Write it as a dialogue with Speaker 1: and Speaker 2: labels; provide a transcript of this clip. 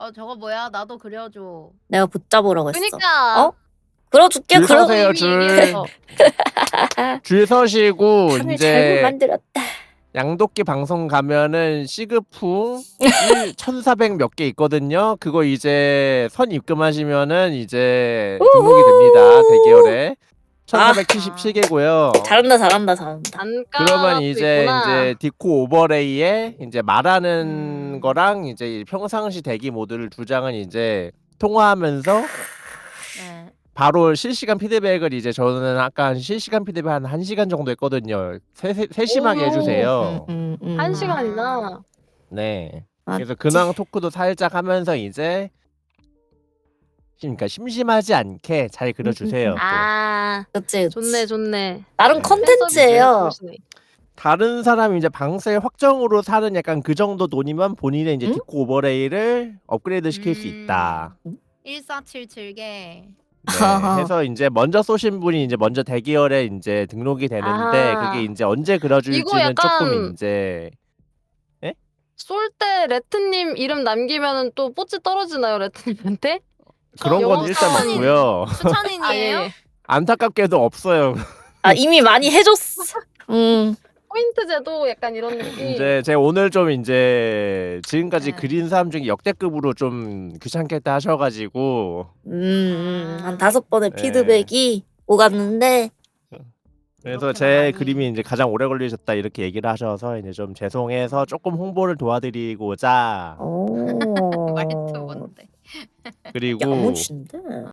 Speaker 1: 저거 뭐야? 나도 그려줘.
Speaker 2: 내가 붙잡으라고 했어.
Speaker 3: 그니까.
Speaker 2: 어? 그려줄게.
Speaker 4: 줄
Speaker 2: 그럼
Speaker 4: 서세요,
Speaker 1: 이미
Speaker 4: 줄.
Speaker 1: 얘기했어.
Speaker 4: 줄 서시고
Speaker 2: 판을 잘못
Speaker 4: 이제
Speaker 2: 만들었다.
Speaker 4: 양도끼 방송 가면은 시그풍 1400 몇 개 있거든요. 그거 이제 선 입금하시면은 이제 등록이 됩니다. 대기열에. 1477개고요.
Speaker 2: 잘한다, 잘한다, 잘한다.
Speaker 3: 단가.
Speaker 4: 그러면 이제
Speaker 3: 있구나.
Speaker 4: 디코 오버레이에 이제 말하는 거랑 이제 평상시 대기 모드를 두 장은 이제 통화하면서
Speaker 1: 네.
Speaker 4: 바로 실시간 피드백을 이제 저는 아까 한 실시간 피드백 한 1시간 정도 했거든요. 세심하게
Speaker 3: 오.
Speaker 4: 해주세요.
Speaker 3: 1시간이나.
Speaker 4: 네.
Speaker 2: 맞지.
Speaker 4: 그래서 근황 토크도 살짝 하면서 이제 그러니까 심심하지 않게 잘 그려주세요. 또.
Speaker 3: 아.
Speaker 2: 그치,
Speaker 3: 좋네 좋네.
Speaker 2: 나름
Speaker 4: 네.
Speaker 2: 컨텐츠예요.
Speaker 4: 다른 사람이 이제 방세 확정으로 사는 약간 그 정도 돈이면 본인의 이제
Speaker 2: 응?
Speaker 4: 디코 오버레이를 업그레이드 시킬 수 있다.
Speaker 1: 1477개.
Speaker 4: 네. 해서 이제 먼저 쏘신 분이 이제 먼저 대기열에 이제 등록이 되는데
Speaker 3: 아하.
Speaker 4: 그게 이제 언제
Speaker 3: 이거
Speaker 4: 그려줄지는
Speaker 3: 약간
Speaker 4: 조금 이제
Speaker 3: 쏠 때 레트님 이름 남기면은 또 뽀찌 떨어지나요 레트님한테?
Speaker 4: 그런 건
Speaker 3: 영업
Speaker 4: 일단
Speaker 3: 사원인.
Speaker 4: 없고요.
Speaker 1: 추천인이에요?
Speaker 3: 예.
Speaker 4: 안타깝게도 없어요.
Speaker 2: 아, 이미 많이 해줬어.
Speaker 3: 포인트 제도 약간 이런 느낌.
Speaker 4: 이제 제가 오늘 좀 이제 지금까지
Speaker 1: 네.
Speaker 4: 그린 사람 중에 역대급으로 좀 귀찮겠다 하셔가지고
Speaker 2: 한 5번의
Speaker 4: 네.
Speaker 2: 피드백이 오갔는데,
Speaker 4: 그래서
Speaker 1: 이렇게
Speaker 4: 제
Speaker 1: 많이.
Speaker 4: 그림이 이제 가장 오래 걸리셨다 이렇게 얘기를 하셔서 이제 좀 죄송해서 조금 홍보를 도와드리고자
Speaker 2: 오.
Speaker 1: 말투 뭔데?
Speaker 4: 그리고
Speaker 2: 야무진데?